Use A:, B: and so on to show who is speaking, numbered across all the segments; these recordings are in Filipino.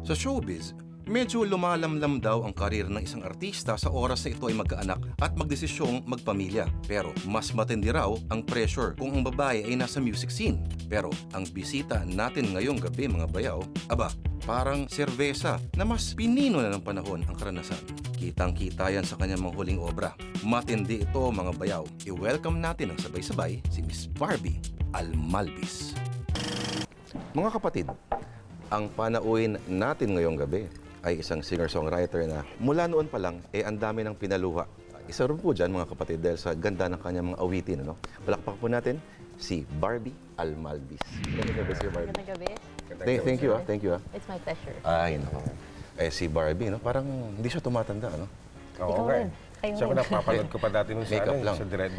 A: Sa showbiz, medyo lumalamlam daw ang karir ng isang artista sa oras na ito ay magkaanak at magdesisyong magpamilya. Pero mas matindi raw ang pressure kung ang babae ay nasa music scene. Pero ang bisita natin ngayong gabi mga bayaw, aba, parang serbesa na mas pinino na ng panahon ang karanasan. Kitang-kita yan sa kanyang mga huling obra. Matindi ito mga bayaw. I-welcome natin ang sabay-sabay si Miss Barbie Almalvis. Mga kapatid, ang panauhin natin ngayong gabi ay isang singer-songwriter na mula noon pa lang, ang dami ng pinaluha. Isa rin po dyan, mga kapatid, dahil sa ganda ng kanyang mga awitin. Ano? Palakpak po natin si Barbie Almalvis. Magandang gabi, Sir Barbie.
B: Magandang gabi.
A: Thank you, thank you.
B: It's my pleasure.
A: Ay, no. Si Barbie, no? Parang hindi siya tumatanda, no?
B: Ikaw rin. Kayo
C: Siya ko
B: rin.
C: napapanood ko pa dati nung sa,
A: Makeup lang.
C: sa Dread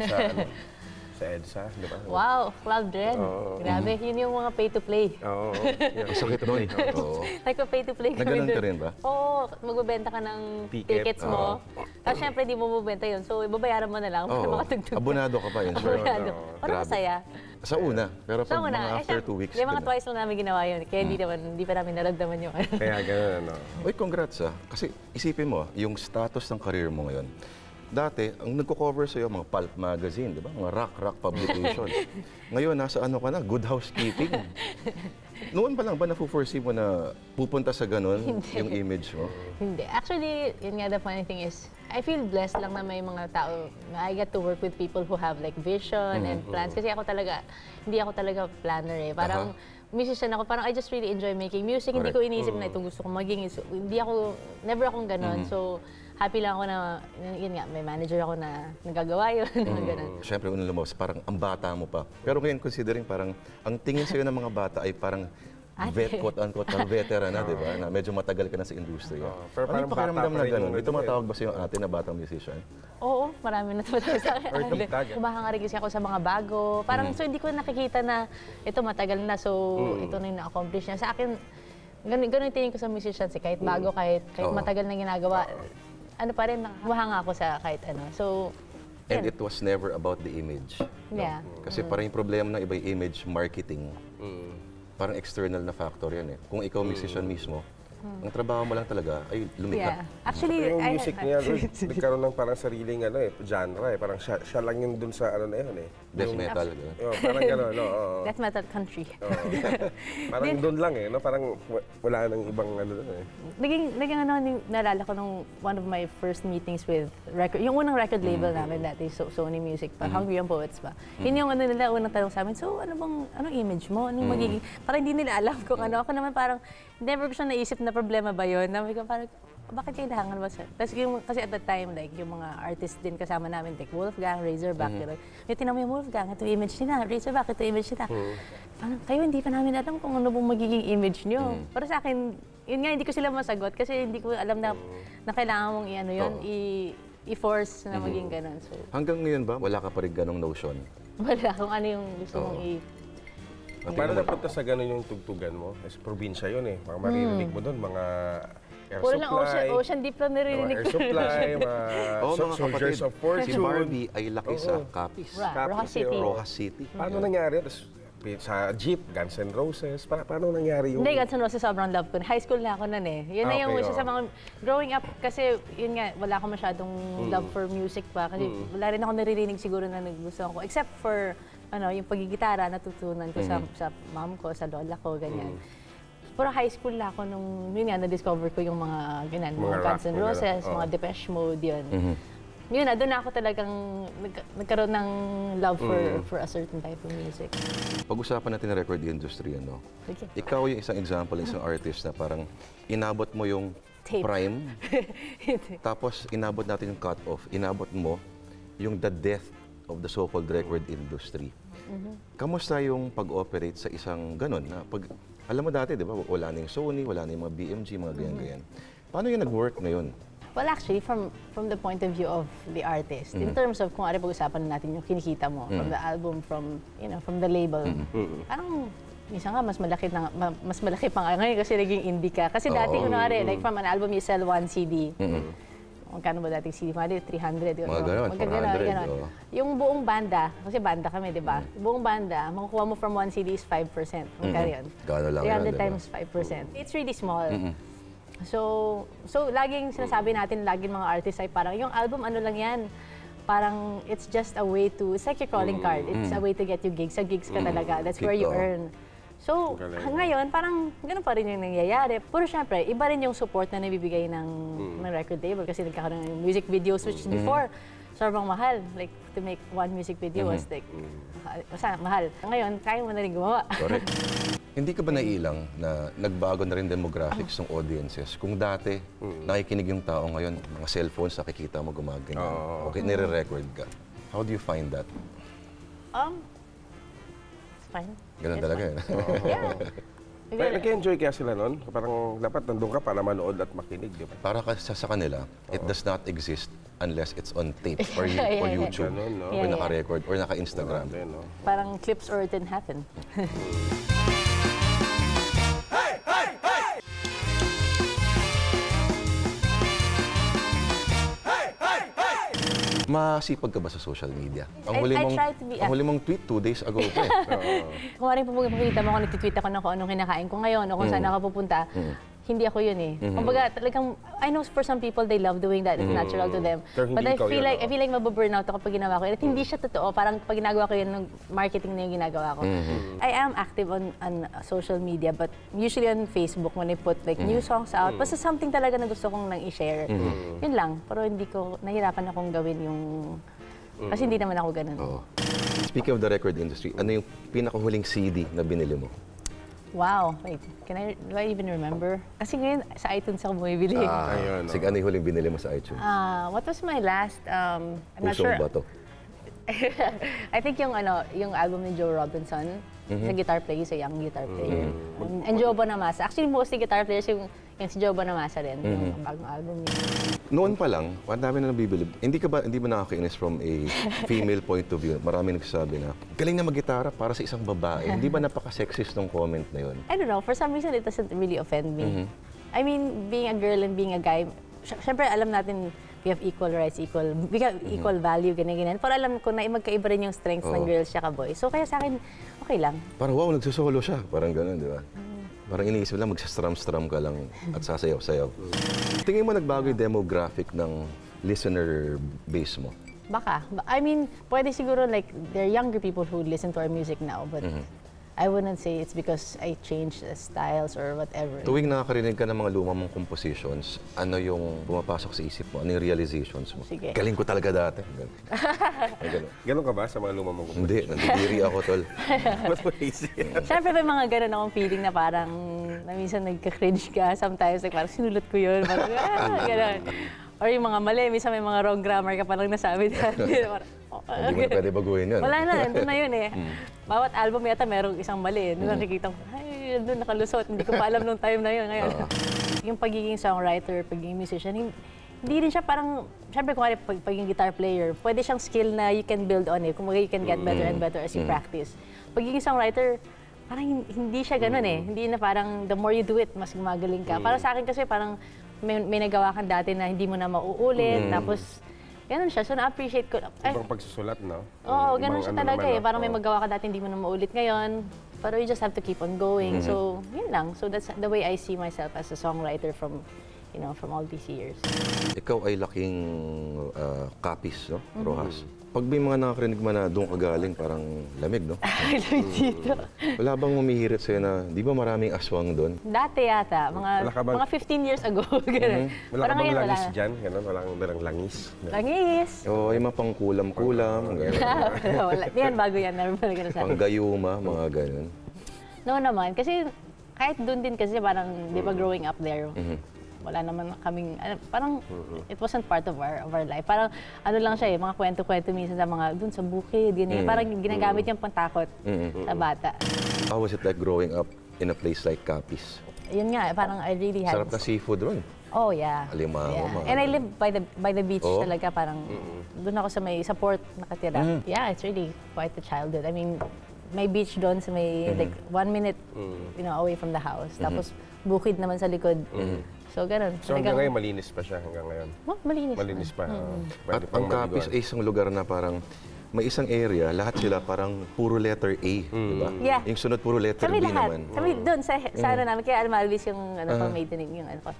C: sa EDSA, di ba?
B: Wow, Cloud Dread. Grabe, yun yung mga pay-to-play.
C: Oo.
A: Sakit nun. Oo.
B: Nagpa-pay-to-play kami
A: Naganon ka
B: dun.
A: rin ba?
B: Oo, magbebenta ka ng
C: Ticket.
B: tickets mo. Tapos syempre, di mo mabenta yun. So, babayaran mo na lang para
A: Oo.
B: makatugtog ka.
A: Abonado ka pa yun, sir.
B: Abonado. Parang
A: Grabe.
B: masaya.
A: Sa una, pero pag
B: So,
A: mga after 2 weeks.
B: Yung mga
A: ganun.
B: twice lang namin ginawa yun. Kaya hindi pa namin naramdaman yung ano.
C: Kaya gano'n, ano.
A: Uy, congrats Kasi isipin mo, yung status ng career mo ngayon. Dati, ang nagko-cover sa'yo, mga pulp magazine, di ba? Mga rock publications. Ngayon, nasa ano ka na? Good housekeeping. Noon pa lang ba nafu-foresee mo na pupunta sa ganun yung image mo?
B: Hindi. Actually, yun nga, the funny thing is, I feel blessed lang na may mga tao, na I get to work with people who have like vision and plans. Kasi hindi ako talaga planner eh. Parang, musician ako, parang I just really enjoy making music. Hindi ko iniisip na itong gusto kong maging. So, never akong ganon. So, happy lang ako na, yun nga, may manager ako na nagagawa yun. Ganun.
A: Siyempre, unang lumabas, parang ang bata mo pa. Pero ngayon, considering parang, ang tingin sa'yo ng mga bata ay parang quote-unquote, parang veteran na, di ba? Na medyo matagal ka na sa industriya.
C: Pero
A: Ano
C: parang
A: yung pakiramdam
C: bata pa
A: na
C: rin
A: gano'n?
C: yung
A: May
C: ano
A: tumatawag ba sa'yo ate na batang musician?
B: Oo, marami na tumatawag sa akin.
C: Or tumutag.
B: Kumahanga rin kasi ako sa mga bago. Parang, so hindi ko nakikita na ito matagal na, so ito na yung na-accomplish niya. Sa akin, ganun yung tingin ko sa musicians eh. Kahit bago, kahit
A: Oo.
B: matagal na ginagawa, ano pa rin, kumahanga ako sa kahit ano. So,
A: And
B: yun.
A: it was never about the image. no?
B: Yeah.
A: Kasi parang yung problema ng iba yung image marketing. Parang external na factor yan eh. Kung ikaw musician mismo, ang trabaho mo lang talaga ay lumikha.
B: Yeah. Actually,
C: Yung music niya, nagkaroon ng parang sariling genre eh. Parang siya lang yun dun sa ano na yun eh.
A: Death metal. Gano'n.
C: Parang gano'n, no? Oo.
B: Death metal country.
C: Parang dun lang eh, no? Parang wala nang ibang ano dun eh.
B: Naging ano, naalala ko nung one of my first meetings with record, yung unang record label namin dati, Sony Music pa, Hungry Young Poets pa. Yun yung ano nila, unang tanong sa amin, so anong image mo? Anong magiging, parang hindi nila alam kung ano. Ako naman parang, never ko siya naisip na problema ba yun? Nabi ko parang, bakit kailangan ba siya? Tapos kasi at that time, like, yung mga artists din kasama namin, like Wolfgang, Razorback, yung tinamo yung Wolfgang, ito image nila, Razorback, ito image nila. Parang, kayo hindi pa namin alam kung ano pong magiging image nyo. Para sa akin, yun nga, hindi ko sila masagot kasi hindi ko alam na kailangan mong i-ano yun, i-force na maging ganun. So,
A: Hanggang ngayon ba, wala ka pa rin ganong notion?
B: wala kung ano yung gusto mong
C: Paano napunta sa gano'n yung tugtugan mo? Kasi probinsya yun eh. Mga maririnig mo doon, mga air
B: Puro lang
C: supply.
B: ocean deep lang narinig
C: Air
B: ko.
C: supply, mga
A: Oo, mga
C: soldiers
A: kapatid,
C: of fortune.
A: si Barbie ay laki sa Capiz.
B: Rojas City.
A: Rojas City.
C: Paano nangyari? Tapos, sa jeep, Guns N' Roses. Paano nangyari yung...
B: Hindi, Guns N' Roses sobrang love ko. High school na ako nun eh. Yun na yung
C: Okay,
B: isa sa mga... Growing up, kasi yun nga, wala akong masyadong love for music pa. Kasi wala rin ako naririnig siguro na nagustuhan ko. Except for, yung pagigitara, natutunan ko sa mom ko, sa lola ko, ganyan. Pero high school na ako nung, yun nga, na-discover ko yung mga, ganyan, mga
C: Mga
B: Guns N'
C: rock,
B: Roses,
C: mga
B: mga Depeche Mode, yun. Yun na, doon na ako talagang nagkaroon ng love for a certain type of music.
A: Pag-usapan natin ang record industry, ano?
B: Okay.
A: Ikaw yung isang example, isang artist na parang inabot mo yung
B: Tape.
A: prime, tapos inabot natin yung cut-off, inabot mo yung the death of the so-called record industry. Kamusta yung pag-operate sa isang ganun? Na alam mo dati, di ba, wala na yung Sony, wala na yung mga BMG, mga ganyan-ganyan. Paano yung nag-work ngayon?
B: Well, actually, from the point of view of the artist, in terms of kung ano pag-usapan natin yung kinikita mo from the album, from the label, parang minsan nga mas malaki pa nga ngayon kasi naging indie ka. Kasi dati, kunwari, like from an album you sell one CD. Magkano ba dating CD? Mga 300.
A: Mga ganun, 400, oo.
B: Yung buong banda, kasi banda kami, di ba? Buong banda, makukuha mo from one CD is 5%. Magkano yun?
A: Gano'n lang
B: 300
A: yun, di ba?
B: times 5%. It's really small. So laging sinasabi natin, laging mga artists ay parang, yung album ano lang yan, parang it's just a way to, it's like your calling card. It's a way to get you gigs. Sa gigs ka talaga. That's where you
A: Totoo.
B: earn. So,
C: Galing.
B: ngayon, parang ganun pa rin yung nangyayari. Pero syempre, iba rin yung support na nabibigay ng record label kasi nagkakaroon ng music videos which before, sobrang mahal. Like, to make one music video was like, mahal. Ngayon, kaya mo na rin gumawa.
A: Correct. Hindi ka ba naiilang na nagbago na rin demographics ng audiences? Kung dati, nakikinig yung tao ngayon, mga cellphones, nakikita mo gumaganyan. Okay, nire-record ka. How do you find that?
B: It's fine.
A: Ganun
B: It's
A: talaga
B: fine.
A: yun.
B: Yeah.
C: Nag-enjoy kaya sila nun? Parang dapat nandun ka para manood at makinig, di ba?
A: Para sa kanila, it does not exist unless it's on tape or,
B: Yeah,
A: or
B: yeah.
A: YouTube.
C: Ganun, no?
A: Or
B: Yeah, yeah.
A: naka-record or naka-Instagram.
C: Grabe, no?
B: Parang clips or it didn't happen.
A: Masipag ka ba sa social media?
B: I try to be
A: ang huli mong tweet 2 days ago pa eh.
B: Kung maaaring makikita mo kung nagtitweet ako ng kung anong kinakain ko ngayon o kung saan ako pupunta, hindi ako yun eh. Kumbaga, talagang, I know for some people, they love doing that. It's natural to them.
C: Pero hindi
B: But I
C: ikaw
B: feel
C: yun,
B: like, I feel like mababurnout ako pag ginawa ko yun. At hindi siya totoo. Parang pag ginagawa ko yun, nung marketing na yung ginagawa ko. I am active on social media, but usually on Facebook when I put like new songs out. Basta something talaga na gusto kong nang i-share. Yun lang. Pero hindi ko, nahirapan akong gawin yung... Kasi hindi naman ako ganun.
A: Oo. Speaking of the record industry, ano yung pinakahuling CD na binili mo?
B: Wow. Wait, do I even remember? Kasi ngayon, sa iTunes ako bumibili.
C: Ayun, no?
A: Sige, ano yung huling binili mo sa iTunes?
B: What was my last, I'm not
A: Pusong
B: sure.
A: Bato.
B: I think yung album ni Joe Robinson, sa guitar player, sa young guitar player. And Joe Bonamassa. Actually, mostly guitar players yung si Joe Bonamassa rin, yung bagong album niya.
A: Noon pa lang, ang dami na nabibilib. Hindi ba nakakainis from a female point of view? Marami nagsasabi na, galing na mag-gitara para sa isang babae. Hindi ba napaka-sexist ng comment na yun?
B: I don't know, for some reason, it doesn't really offend me. I mean, being a girl and being a guy, syempre alam natin, we have equal rights, we have equal value, ganyan-ganyan. Pero alam ko na magkaiba rin yung strengths ng girls siya boys. So kaya sa akin, okay lang.
A: Parang wow, nagsosolo siya. Parang gano'n, di ba? Parang iniisip lang, magsastrum-strum ka lang at sasayaw-sayaw. Tingin mo nagbago yung demographic ng listener base mo?
B: Baka. I mean, pwede siguro like, there are younger people who listen to our music now, but I wouldn't say it's because I changed the styles or whatever.
A: Tuwing nakakarinig ka ng mga lumang mong compositions, ano yung pumapasok sa isip mo? Ano yung realizations mo?
B: Sige.
A: Galing ko talaga dati. Ganun.
C: Ganun ka ba sa mga lumang mong
A: Hindi, nandidiri ako, tol.
C: Ba't mo isip?
B: Siyempre may mga ganun akong feeling na parang, na minsan nagka-cringe ka, sometimes like parang sinulat ko yun, parang ganun. Or yung mga mali, minsan may mga wrong grammar ka palang nasabi dati.
A: Hindi mo na pwede baguhin yun.
B: Wala na, nandun na yun eh. Bawat album yata merong isang mali. Doon nakikita ko, ay, doon nakalusot. Hindi ko pa alam nung time na yun. Ngayon, yung pagiging songwriter, pagiging musician, hindi rin siya parang, syempre kung pagiging guitar player, pwede siyang skill na you can build on it. Kung you can get better and better as you practice. Pagiging songwriter, parang hindi siya ganun eh. Hindi na parang the more you do it, mas gumagaling ka. Para sa akin kasi parang may nagawa kang dati na hindi mo na mauulit. Tapos, ganun siya. So, na-appreciate ko.
C: Ibang pagsusulat, no?
B: Oo, ganun
C: Ibang
B: siya
C: ano
B: talaga
C: naman,
B: eh.
C: no?
B: Parang may magawa ka dati, hindi mo na maulit ngayon. Pero you just have to keep on going. So, yun lang. So, that's the way I see myself as a songwriter from all these years.
A: Ikaw ay laking kapis, no? Rojas. Pag may mga nakakarinig mo na doon ka galing, parang lamig, no?
B: Dito.
A: Wala bang humihirit sa'yo na, di ba maraming aswang doon?
B: Dati yata,
C: Wala ka bang-
B: mga 15 years ago. Ganun.
C: Wala ka
B: Parang
C: bang
B: ngayon,
C: langis
B: wala.
C: dyan? Ganun, wala kang dalang langis.
B: Langis.
A: O, yung mga pang kulam-kulam, gano'n.
B: Wala. Yan, bago yan. Never pala ganun sa akin.
A: Pang gayuma, mga gano'n.
B: No naman, kasi kahit doon din kasi parang, di ba growing up there, wala naman kaming, parang it wasn't part of our life. Parang ano lang siya eh, mga kwento-kwento minsan sa mga, doon sa bukid, ganyan. Parang ginagamit yung pantakot sa bata.
A: How was it like growing up in a place like Capiz?
B: Yun nga, parang I really had...
A: Sarap na seafood ron.
B: Oh, yeah.
A: Alimango,
B: Yeah.
A: mga
B: And I
A: ganun.
B: live by the beach
A: Oh.
B: talaga, parang doon ako sa port nakatira. Yeah, it's really quite a childhood. I mean, may beach doon sa may like 1 minute away from the house. Tapos bukid naman sa likod. So, ganun.
C: So hanggang ngayon, malinis pa siya hanggang ngayon.
B: Malinis.
C: Malinis pa.
A: At ang Capiz ay isang lugar na parang may isang area, lahat sila parang puro letter A, di ba?
B: Yeah.
A: Yung sunod puro letter
B: Kami
A: B
B: lahat.
A: naman.
B: Kami doon sa ano namin, kaya Almalvis yung pang maiden yung ano ko.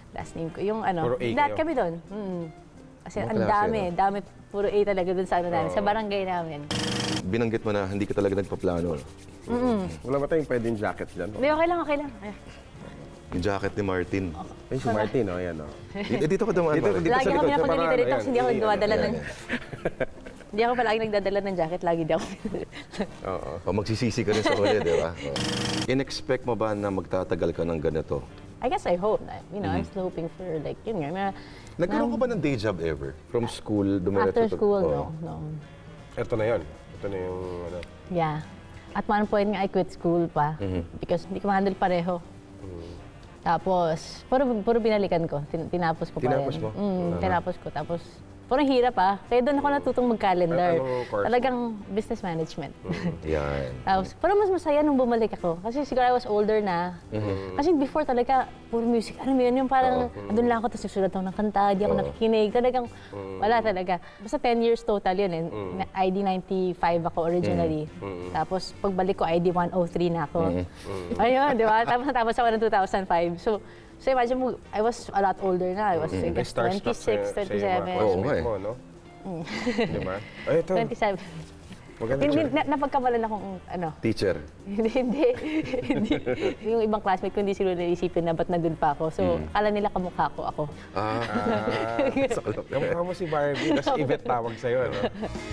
B: last name ko. Yung ano,
C: Puro A
B: lahat
C: kayo?
B: kami doon. Kasi
A: Mga
B: ang
A: klase,
B: dami, puro A talaga doon sa ano namin, sa barangay namin.
A: Binanggit mo na hindi ka talaga nagpaplano.
C: Wala ba tayong pwedeng jacket dyan?
B: Hindi, okay lang, okay lang. Ay,
A: Yung jacket ni Martin.
C: Ay, si Martin, oh, yan, oh.
A: Dito ka dumaan,
C: Dito,
A: Martin.
C: dito.
B: lagi
C: sa
B: ako
C: likod, sa
B: pinapunta
C: parang
B: dito,
C: ano,
B: tapos hindi ako
C: yan.
B: nagdadala ng...
A: Ayan.
B: Hindi ako palagi nagdadala ng jacket, lagi di ako.
C: Oo.
A: O magsisisi ka rin sa huli, di ba? In-expect mo ba na magtatagal ka ng ganito?
B: I guess I hope. You know, I'm still hoping for like, yun nga.
A: Nagkaroon ka ba ng day job ever? From school, dumiretso
B: After school,
A: Oo.
B: no.
C: Ito na yun. Ito na yung, ano.
B: Yeah. At one point nga, I quit school pa. Because hindi ko ma-handle pareho. Tapos, puro binalikan ko. Tinapos ko pa rin.
C: Tinapos mo?
B: Tinapos ko. Tapos, parang hirap Kaya doon ako natutong mag-calendar.
C: Anong course mo?
B: Talagang business management.
A: Yan.
B: Tapos, parang mas masaya nung bumalik ako. Kasi siguro I was older na. Kasi before talaga, puro music. Ano yun? Yung parang, andun lang ako, tapos nagsulat ako ng kanta, di ako nakikinig. Talagang, wala talaga. Basta 10 years total yun. ID 95 ako originally. Tapos, pagbalik ko, ID 103 na ako. Ayun, di ba? Tapos natapos ako ng 2005. So imagine mo, I was a lot older na. I was, I guess, 26, 27.
A: Oo nga eh.
C: Mo, no? Di ba? Ay, ito.
B: 27.
C: Maganda
B: Hindi,
C: siya.
B: napagkamalan akong, ano,
A: Teacher.
B: hindi. Yung ibang classmate ko, hindi sila naisipin na ba't nandun pa ako. So, akala nila kamukha ko ako.
C: Kamukha mo si Barbie, tapos Yvette tawag sa'yo, no?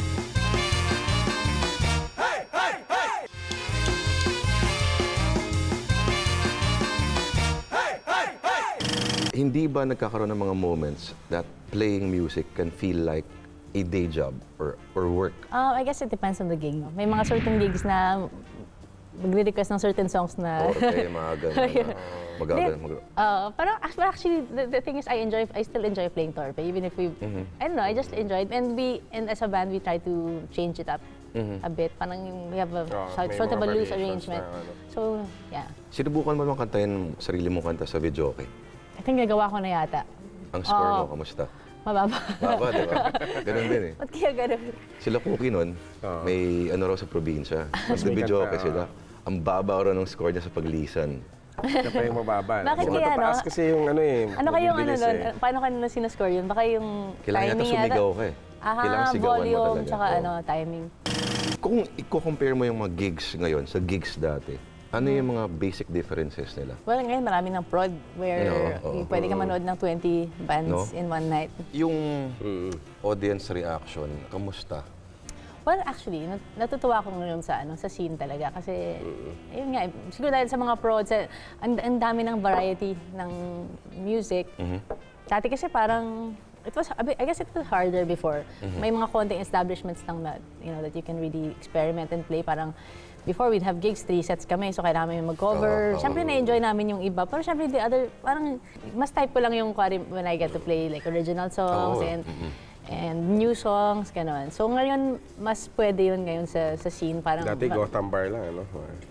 A: Hindi ba nagkakaroon ng mga moments that playing music can feel like a day job or work?
B: I guess it depends on the gig. No? May mga certain gigs na magre-request ng certain songs na...
A: Okay, mga ganun. Magaganon.
B: Parang actually, the thing is, I still enjoy playing torpe, even if I don't know, I just enjoyed. And as a band, we try to change it up a bit. Parang we have a
C: may
B: sort of a
C: mga
B: loose
C: variations
B: arrangement.
C: na ano.
B: So, yeah.
A: Sinubukan mo naman kantahin sarili mong kanta sa video, okay?
B: I think nagawa ko na yata.
A: Ang score mo, kamusta?
B: Mababa.
A: Baba, di ba? Ganun din eh.
B: Ba't kaya ganun?
A: Sila Cookie nun, may ano raw sa probinsya. Mas
C: may
A: video
C: kanta,
A: okay sila. Ang baba raw ng score niya sa paglisan.
C: Siya pa yung mababa.
B: Bakit
C: Baka
B: kaya, no?
C: mataas kasi yung ano eh.
B: Ano kayong ano
C: mabibilis
B: nun?
C: eh.
B: Paano ka na sinascore yun? Baka yung
A: Kailangan yata
B: timing
A: sumigaw ka eh. Kailangan sigawan mo
B: volume,
A: talaga.
B: tsaka
A: Oo.
B: ano, timing.
A: Kung i-compare mo yung mga gigs ngayon sa gigs dati, ano yung mga basic differences nila?
B: Well, ngayon marami ng prod where
A: Oo.
B: pwede ka manood ng 20 bands
A: No?
B: in one night.
A: Yung audience reaction, kamusta?
B: Well, actually, natutuwa ako ngayon sa scene talaga kasi ayun nga, siguro dahil sa mga prods, ang dami ng variety ng music. Dati kasi parang I guess it was harder before. May mga konting establishments lang na, that you can really experiment and play. Parang before we'd have gigs, 3 sets kami, so kailangan namin mag-cover. Siyempre, na-enjoy namin yung iba. Pero siyempre, the other, parang mas type ko lang yung when I get to play like original songs and new songs, gano'n. So ngayon, mas pwede yun ngayon sa scene. Parang,
C: Dati Gotham Bar lang, ano?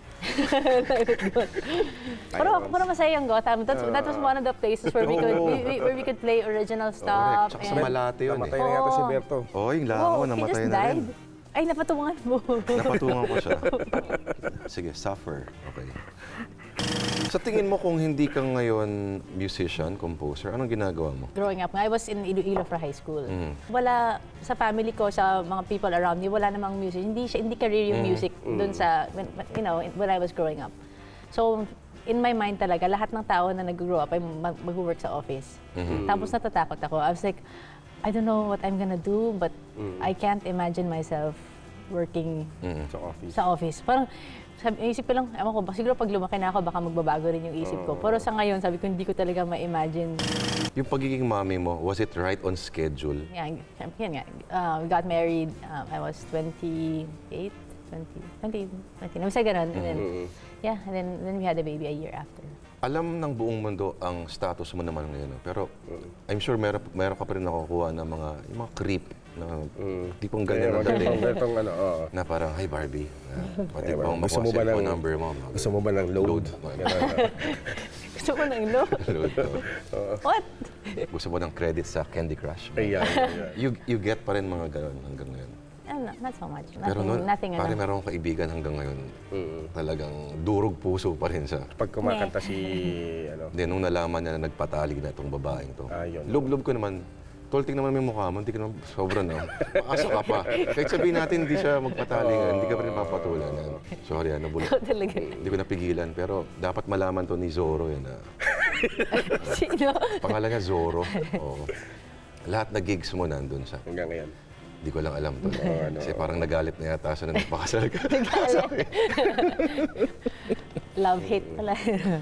B: pero masaya yung Gotham. That was one of the places where we could play original stuff.
A: Tsaka sa Malate yun
C: Namatay
A: eh.
C: na yata si Berto.
A: Oh, yung langaw,
B: he
A: namatay
B: just
A: na rin.
B: died. Ay, napatungan mo.
A: Napatungan ko siya. Sige, suffer. Okay. Sa tingin mo kung hindi ka ngayon musician, composer, anong ginagawa mo?
B: Growing up, I was in Iloilo for high school. Wala sa family ko, sa mga people around me, wala namang music. Hindi career yung music dun sa when I was growing up. So in my mind talaga, lahat ng tao na nag-grow up ay mag-work sa office. Tapos natatakot ako. I was like, I don't know what I'm gonna do, but I can't imagine myself working
C: Sa office.
B: sa office. Parang, isip ko lang, ewan ko, siguro pag lumaki na ako, baka magbabago rin yung isip ko. Pero sa ngayon, sabi ko, hindi ko talaga ma-imagine.
A: Yung pagiging mami mo, was it right on schedule?
B: Yeah, syempre, yan nga. We got married, I was 28, 20, basta ganun. And then, and then we had a baby a year after.
A: Alam ng buong mundo ang status mo naman ngayon. No? Pero I'm sure meron ka pa rin nakukuha ng yung mga creep na tipong ganyan na dating.
C: Bertong ano, oo.
A: Na parang, hi Barbie, pati ba
C: Gusto
A: makuha
C: mo ba
A: cellphone
C: ng-
A: number mo?
C: Gusto mo ba ng load? Ganun.
B: Gusto ko ng low.
A: Load,
B: What?
A: Gusto mo ng credit sa Candy Crush?
C: Ayan.
A: You get pa rin mga ganon hanggang ngayon.
B: not so much.
A: Pero noon,
B: Nothing,
A: pare meron akong kaibigan hanggang ngayon. Talagang durog puso pa rin siya.
C: Pag kumakanta si, ano,
A: Hindi, nung nalaman niya na nagpatali na itong babaeng to.
C: Yun.
A: Lub-lub ko naman, tolting naman yung mukha mo, hindi ka naman sobra na. Maasa ka pa. Kahit sabihin natin hindi siya magpatali ngayon, hindi ka pa rin papatulan. Yan. Sorry, nabulok.
B: Ikaw talaga.
A: Hindi ko napigilan, pero dapat malaman to ni Zorro yan.
B: Sino?
A: Pangalan niya Zorro. Oo. Lahat na gigs mo nandun siya.
C: Hanggang ngayon.
A: Hindi ko lang alam to. Kasi parang nagalit na yata siya na nagpakasal ka.
B: Love-hate pala.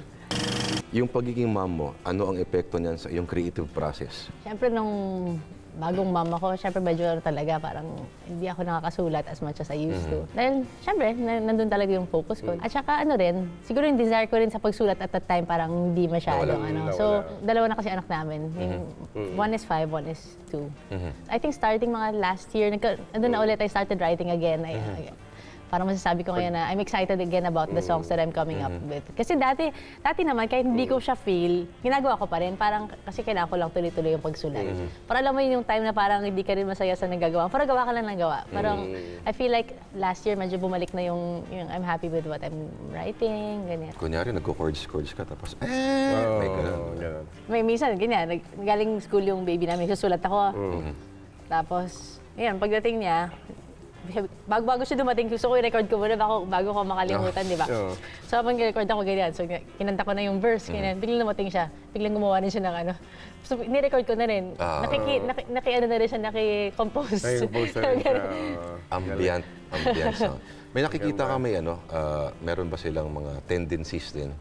A: Yung pagiging mom mo, ano ang epekto niyan sa iyong creative process?
B: Siyempre, nung bagong mama ko, siyempre medyo talaga parang hindi ako nakakasulat as much as I used to. Dahil, siyempre, nandun talaga yung focus ko. At saka ano rin, siguro yung desire ko rin sa pagsulat at that time parang hindi masyadong
A: Nawala.
B: So, dalawa na kasi anak namin. Yung one is 5, one is 2. I think starting mga last year, nandun na ulit, I started writing again. Parang masasabi ko ngayon na I'm excited again about the songs that I'm coming up with. Kasi dati naman, kahit hindi ko siya feel, ginagawa ko pa rin. Parang kasi kailangan ko lang tuloy-tuloy yung pagsulat. Para alam mo yung time na parang hindi ka rin masaya sa nagagawa. Parang gawa ka lang ng gawa. Parang I feel like last year medyo bumalik na yung I'm happy with what I'm writing, ganyan.
A: Kunyari, nagko-chords ka, tapos, may ganun.
C: Ganun.
B: May minsan, ganyan, galing school yung baby namin, susulat ako. Tapos, ayan, pagdating niya, bago siya dumating, gusto ko i-record ko muna bago ko makalimutan, di ba? So, habang i-record ako ganyan, so kinanta ko na yung verse, ganyan, biglang dumating siya, biglang gumawa rin siya ng ano. So, ni-record ko na rin. Naki-ano na rin siya, naki-compose.
C: Naki-compose na rin siya.
A: Ambient sound. May nakikita ka meron ba silang mga tendencies din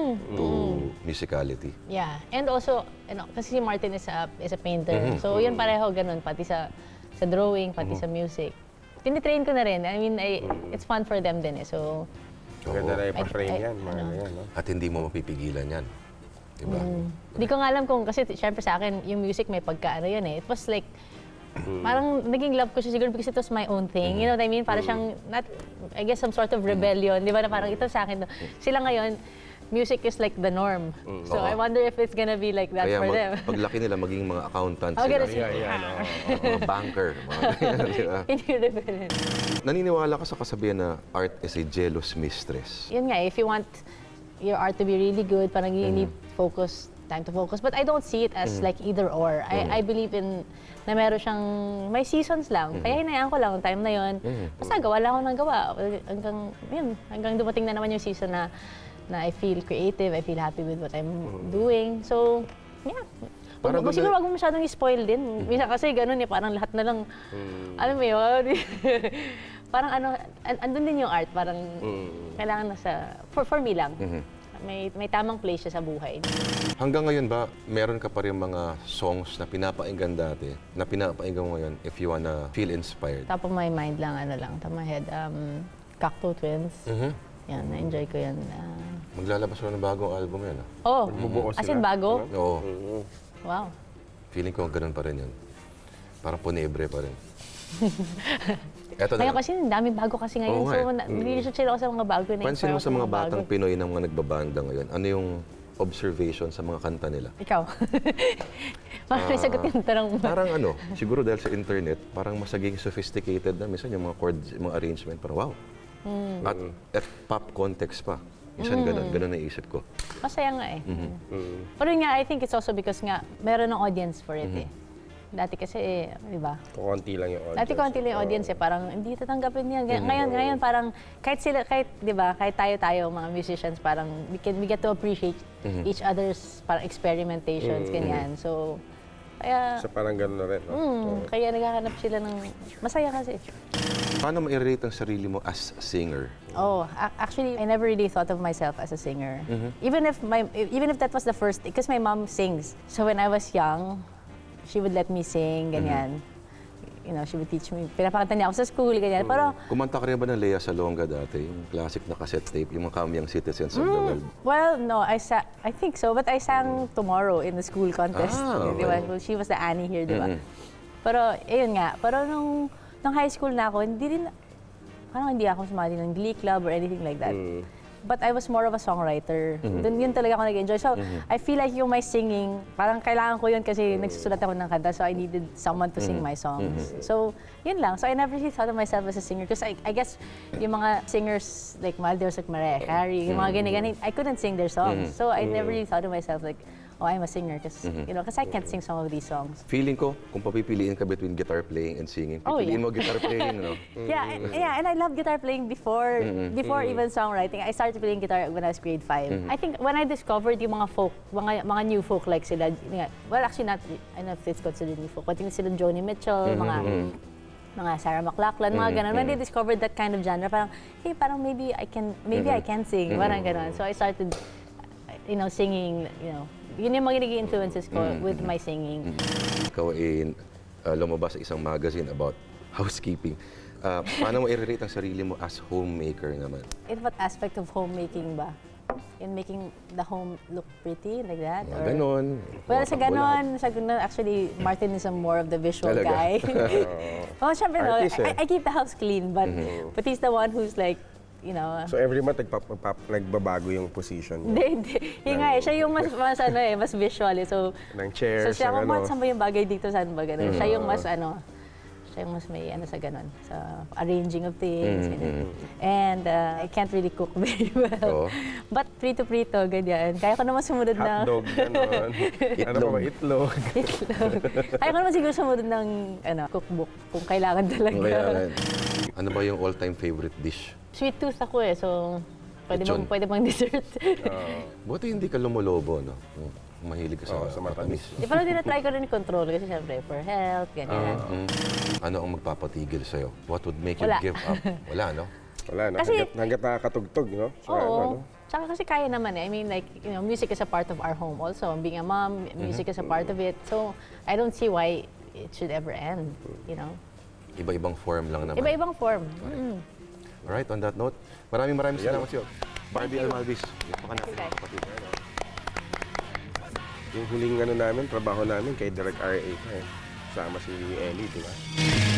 A: to musicality?
B: Yeah, and also, kasi si Martin is a painter. So, yun pareho ganun, pati sa drawing, pati sa music. Tinitrain ko na rin. I mean, it's fun for them din eh. So,
C: Maganda na ipa-frame yan, mga ganyan, no?
A: At hindi mo mapipigilan yan. Diba?
B: hindi ko nga alam kung, kasi syempre sa akin, yung music may pagkaano yun eh. It was like, parang naging love ko siya siguro because it was my own thing. You know what I mean? Para siyang, I guess, some sort of rebellion. Di ba na parang ito sa akin. Sila ngayon, music is like the norm. So I wonder if it's gonna be like that
A: Kaya
B: for them.
A: paglaki nila, maging mga accountants
B: Oh,
A: sila.
B: ganun sila.
A: Mga banker. Mga ganyan, diba?
B: Hindi rebellion.
A: Naniniwala ka sa kasabihan na art is a jealous mistress.
B: Yun nga, if you want your art to be really good, parang you need time to focus. But I don't see it as like either or. I believe in na meron siyang, may seasons lang. Kaya hinayaan ko lang yung time na yun. Basta gawa lang ako ng gawa. Hanggang dumating na naman yung season na I feel creative, I feel happy with what I'm doing. So, yeah. Siguro wag mo masyadong i-spoil din. Minsan kasi ganun eh, parang lahat na lang, alam mo yun, parang andun din yung art, parang kailangan for me lang. May tamang place siya sa buhay.
A: Hanggang ngayon ba, meron ka pa rin mga songs na pinapakinggan dati, na pinapakinggan mo ngayon if you wanna feel inspired?
B: Top of my mind lang, top of my head, Cacto Twins. Yan, na-enjoy ko yan.
A: Maglalabas mo ng bagong album yan.
C: Magbubuo
B: as
C: sila.
B: in bago?
A: Oo.
B: Wow.
A: Feeling ko ganun pa rin yun. Parang punebre pa rin. Eto
B: Ngayon
A: na.
B: kasi, daming bago kasi ngayon.
A: Oo nga
B: So, nag-research sila ako sa mga bago na
A: Pansin mo sa mga batang Pinoy na mga nagbabanda ngayon, ano yung observation sa mga kanta nila?
B: Ikaw. Parang may sagot yung tanong mo.
A: Parang siguro dahil sa internet, parang masaging sophisticated na. Minsan yung mga chords, yung mga arrangement, parang wow. At pop context pa. Minsan ganun naisip ko.
B: Masaya nga eh. Pero yun nga, I think it's also because nga, meron ng audience for it eh. Dati kasi, di ba?
C: Konti lang yung audience.
B: Dati konti lang yung audience eh, parang hindi tatanggapin niya. Ngayon parang kahit di ba, kahit tayo mga musicians, parang we get to appreciate each other's parang experimentations, ganyan. So, kaya,
C: Parang gano'n na rin, no?
B: kaya naghahanap sila ng masaya kasi.
A: Paano ma-rate ang sarili mo as a singer?
B: Oh, actually, I never really thought of myself as a singer. Even if that was the first, because my mom sings. So when I was young, she would let me sing, ganyan. You know, she would teach me. Pinapakanta niya ako sa school, ganyan. Pero,
A: Kumanta ka rin ba ng Lea Salonga dati? Yung classic na cassette tape, yung mga Kamyang Citizens of the World.
B: well, no, I think so. But I sang Tomorrow in the school contest. Di ba? Well, she was the Annie here, di ba? Pero, ayun nga. Pero nung high school na ako, parang hindi ako sumali ng Glee Club or anything like that. but I was more of a songwriter. Dun yun talaga ako nag-enjoy. So, I feel like yung my singing, parang kailangan ko yun kasi nagsusulat ako ng kanta, so I needed someone to sing my songs. So, yun lang. So, I never really thought of myself as a singer because I guess yung mga singers like Maldives, like Mariah Carey, yung mga ganyan, I couldn't sing their songs. So, I never really thought of myself like, oh, I'm a singer because because I can't sing some of these songs.
A: Feeling ko, kung papipiliin ka between guitar playing and singing,
B: Oh,
A: pipiliin
B: yeah.
A: mo guitar playing, no?
B: Yeah, and I love guitar playing before even songwriting. I started playing guitar when I was grade 5. I think when I discovered yung mga folk, mga new folk like sila, well actually not, I don't know if it's considered new folk, but yung sila Joni Mitchell, mga Sarah McLachlan, mga ganun. When they discovered that kind of genre, parang, hey, parang maybe I can sing, parang ganun. So I started, singing, yun yung mga naging influences ko with my singing.
A: Ikaw ay lumabas sa isang magazine about housekeeping. Paano mo i-rate ang sarili mo as homemaker naman?
B: In what aspect of homemaking ba? In making the home look pretty, like that?
A: Mga ganon.
B: Well, sa ganon, actually, Martin is a more of the visual
A: Talaga?
B: guy. Oh, syempre, no,
C: Artist, eh.
B: I keep the house clean, but he's the one who's like,
C: So every month nagbabago yung position niya.
B: Hindi. Yung nga siya yung mas visual eh. So,
C: Ng chairs,
B: siya,
C: ng
B: saan ba yung bagay dito, saan ba ganun? Siya yung mas siya yung mas may sa ganun, sa arranging of things. Ganun. And I can't really cook very well.
A: Oo.
B: But prito, ganyan. Kaya ko naman sumunod na...
C: Hotdog, gano'n. Ano pa ba? Itlog.
B: Itlog. Kaya ko naman siguro sumunod ng cookbook kung kailangan talaga.
A: Kailangan. Ano ba yung all-time favorite dish?
B: Sweet tooth ako eh, so
A: Lechon.
B: pwede bang dessert.
A: Buti hindi ka lumulobo, no? Mahilig ka
C: Sa matamis.
B: Di pa rin tinatry ko rin i-control kasi syempre for health, ganyan.
A: Ano ang magpapatigil sa'yo? What would make you
B: Wala.
A: give up? Wala, no?
C: Wala na.
B: Kasi-
C: Hanggat nakakatugtog, no? So,
B: Oo. Tsaka kasi kaya naman eh. I mean, like, music is a part of our home also. Being a mom, music is a part of it. So, I don't see why it should ever end,
A: Iba-ibang form lang naman.
B: Iba-ibang form.
A: Alright, on that note, maraming salamat sa'yo. Barbie Almalvis. Baka natin
B: Okay.
A: kapatid.
C: Yung huling trabaho namin kay Direct RA. Sama si Ellie, di ba?